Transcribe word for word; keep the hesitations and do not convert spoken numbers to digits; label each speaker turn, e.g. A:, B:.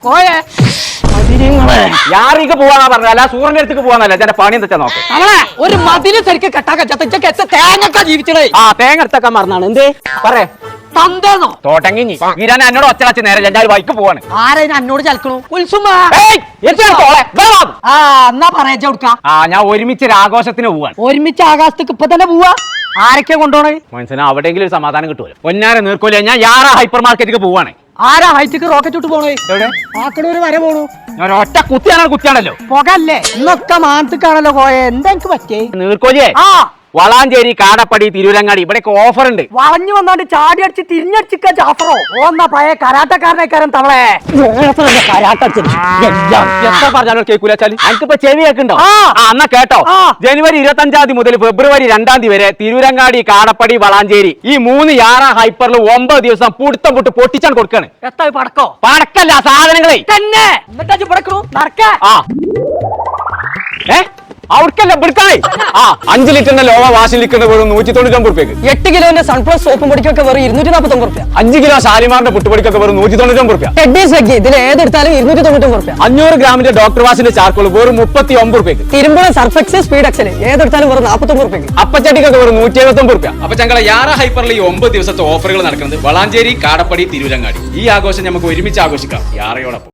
A: യാറിക്ക് പോവാന്നാ പറഞ്ഞല്ല സൂര്യന്റെ അടുത്തേക്ക് പോവാന്നല്ല എന്റെ പണി എന്താ നോക്കാം
B: അവളെ ഒരു മതില് ശരിക്കും കെട്ടാക്ക തേങ്ങ ജീവിച്ചടേ
A: ആ തേങ്ങ എടുത്തൊക്കെ മറന്നാണ് എന്തേ പറയേ
B: തന്തേന്നോ
A: തോട്ടങ്ങി ഈരാൻ എന്നോട് ഒച്ച വെച്ച് നേരെ ഞാൻ ബൈക്ക് പോവാണ്
B: ആരെ എന്നോട് ചലക്കണു ഉത്സുമ ആ എന്നാ പറയാ കൊടുക്ക
A: ആ ഞാൻ ഒരുമിച്ച് ഒരു ആഘോഷത്തിന് പോവാണ്
B: ഒരുമിച്ച് ആകാശത്തേക്ക് ഇപ്പൊ തന്നെ പോവാ ആരൊക്കെ കൊണ്ടുപോണേ
A: മനസ്സിലാ അവിടെയെങ്കിലും ഒരു സമാധാനം കിട്ടുമല്ലോ ഒന്നാരെ നീർക്കോല ഞാൻ യാറാ ഹൈപ്പർ മാർക്കറ്റിലേക്ക് പോവാണ്
B: ആരാ ഹൈറ്റിക്ക് റോക്കറ്റ് വിട്ട് പോണേ
A: എവിടെ
B: ആക്കടൂര് വരെ പോണു
A: ഞാൻ ഒറ്റ കുത്തിയാണോ കുത്തിയാണല്ലോ
B: പുകല്ലേ ഇന്നൊക്കെ മാനത്തേക്കാണല്ലോ പോയെ എന്താ എനിക്ക് പറ്റേ
A: നീർക്കോലിയേ
B: ആ
A: വളാഞ്ചേരി കാടപ്പടി തിരൂരങ്ങാടി ഇവിടെയൊക്കെ ഓഫർ ഉണ്ട്
B: വളഞ്ഞു വന്നോണ്ട് ചാടി അടിച്ച് തിരിഞ്ഞടിച്ചിക്ക ജാഫറോ ഓന്നാ പഴയ കരാട്ടക്കാരനേക്കാരൻ തവളെ
A: എത്ര പറഞ്ഞാലോ കേൾക്കൂലാച്ചാല് എനിക്കിപ്പോ ചെവി കേൾക്കുണ്ടോ
B: ആ.
A: ആ എന്നാ കേട്ടോ
B: ആ.
A: ജനുവരി ഇരുപത്തി അഞ്ചാം തീയതി മുതൽ ഫെബ്രുവരി രണ്ടാം തീയതി വരെ തിരൂരങ്ങാടി കാടപ്പടി വളാഞ്ചേരി ഈ മൂന്ന് യാറ ഹൈപ്പറിൽ ഒമ്പത് ദിവസം പുടുത്തം പുട്ട് പൊട്ടിച്ചാണ് കൊടുക്കാണ്
B: എത്താ പടക്കോ
A: പടക്കല്ല സാധനങ്ങളെ
B: തന്നെ എന്നിട്ടാ പടക്കണു നടക്ക
A: ആ ഏ അവർക്കല്ല പിടുക്കായി ആ അഞ്ച് ലിറ്ററിന്റെ ലോവ വാഷിൽ ലിറ്ററിന്റെ വെറും നൂറ്റി തൊണ്ണൂറ്റൊമ്പത് റുപ്യക്ക്
B: എട്ട് കിലോന്റെ സൺപ്ലസ് സോപ്പും പൊടിക്കൊക്കെ വെറും ഇരുന്നൂറ്റി നാൽപ്പത്തി ഒമ്പത് റുപ്യ
A: അഞ്ച് കിലോ ഷാലിമാറിന്റെ പുട്ടുപൊടിക്കൊക്കെ വെറും നൂറ്റി തൊണ്ണൂറ്റൊമ്പത് റുപ്യ
B: ടെഡീസ് വെക്കി ഇതിൽ ഏതെടുത്താലും ഇരുന്നൂറ്റി തൊണ്ണൂറ്റി റുപ്യ
A: അഞ്ഞൂറ് ഗ്രാമിന്റെ ഡോക്ടർ വാഷിന്റെ ചാർക്കോൾ വെറും മുപ്പത്തി ഒമ്പത് റുപ്യക്ക്
B: തിരുമ്പുഴ സർഫെക്സ് സ്പീഡ് എക്സൽ ഏതെടുത്താലും വെറും നാൽപ്പത്തി ഒമ്പത് റുപ്യക്ക്
A: അപ്പച്ചട്ടിക്കൊക്കെ വെറും നൂറ്റി എഴുപത്തി ഒമ്പത് റുപ്യ അപ്പൊ ഞങ്ങളെ യാറ ഹൈപ്പറിൽ ഈ ഒമ്പത് ദിവസത്തെ ഓഫറുകൾ നടക്കുന്നത് വളാഞ്ചേരി കാടപ്പടി തിരൂരങ്ങാടി ഈ ആഘോഷം നമുക്ക് ഒരുമിച്ച് ആഘോഷിക്കാം യാറയോടൊപ്പം.